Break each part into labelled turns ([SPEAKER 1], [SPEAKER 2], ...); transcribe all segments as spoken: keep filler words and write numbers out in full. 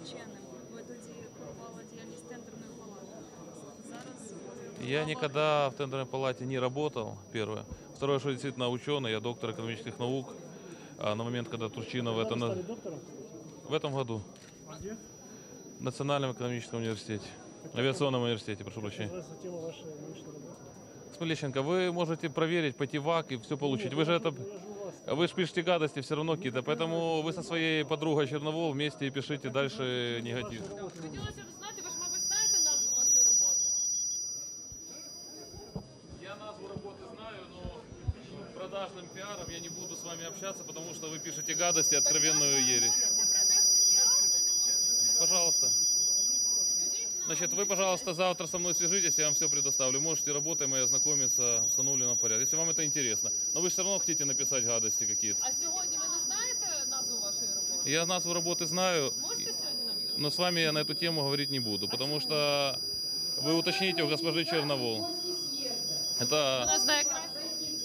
[SPEAKER 1] вченим. Ви тоді курували діяльність тендерної палати. Зараз ви
[SPEAKER 2] Я
[SPEAKER 1] голова-
[SPEAKER 2] никогда в тендерной палате не работал, первое. Второе, что я действительно ученый, я доктор экономических наук. А на момент, когда Турчинов это
[SPEAKER 3] Когда вы
[SPEAKER 2] на-
[SPEAKER 3] стали доктором, кстати?
[SPEAKER 2] в этом году
[SPEAKER 3] А где?
[SPEAKER 2] в Национальном экономическом университете, авиационном университете, прошу прощения.
[SPEAKER 3] Называется тело вашей научной работы.
[SPEAKER 2] Смолещенко, вы можете проверить, пойти в АК и все получить. Вы же это,
[SPEAKER 3] Я же у вас.
[SPEAKER 2] вы же пишете гадости все равно какие-то, поэтому вы со своей подругой Черновол вместе и пишите дальше негатив.
[SPEAKER 4] Хотілося б знати, ви ж, мабуть, знаєте назву вашої роботи?
[SPEAKER 2] Я назву работы знаю, но продажным пиаром я не буду с вами общаться, потому что вы пишете гадости, откровенную ересь.
[SPEAKER 4] Це продажний піар, ви не можете сказати.
[SPEAKER 2] Пожалуйста.
[SPEAKER 4] Скажіть нам.
[SPEAKER 2] Значит, вы, пожалуйста, завтра со мной свяжитесь, я вам все предоставлю. Можете работаем и ознакомиться в установленном порядке, если вам это интересно. Но вы же все равно хотите написать гадости какие-то.
[SPEAKER 4] А сьогодні ви не знаєте назву вашої роботи?
[SPEAKER 2] Я назву работы знаю,
[SPEAKER 4] Можете сьогодні нам її?
[SPEAKER 2] но с вами я на эту тему говорить не буду, потому что вы уточните у госпожи Черновол. Это
[SPEAKER 4] Вона знає краще.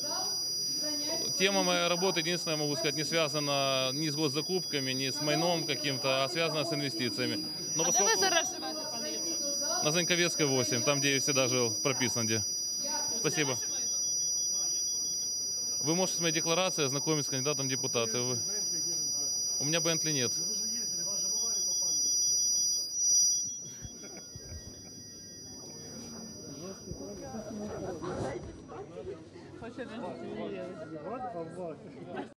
[SPEAKER 2] тема моей работы, единственное, могу сказать, не связана ни с госзакупками, ни с майном каким-то, а связана с инвестициями. Но
[SPEAKER 4] А де ви
[SPEAKER 2] поскольку
[SPEAKER 4] зараз живете, пане Євгене?
[SPEAKER 2] на Заньковецкой восемь, там, где я всегда жил, прописан где. Спасибо.
[SPEAKER 4] Ваше майно.
[SPEAKER 2] Вы можете с моей декларацией ознакомиться с кандидатом в депутаты. Вы- У меня Бентли нет.
[SPEAKER 3] Вы же ездили, вас же в аварию попали.
[SPEAKER 4] Хоче
[SPEAKER 3] Вот, вот.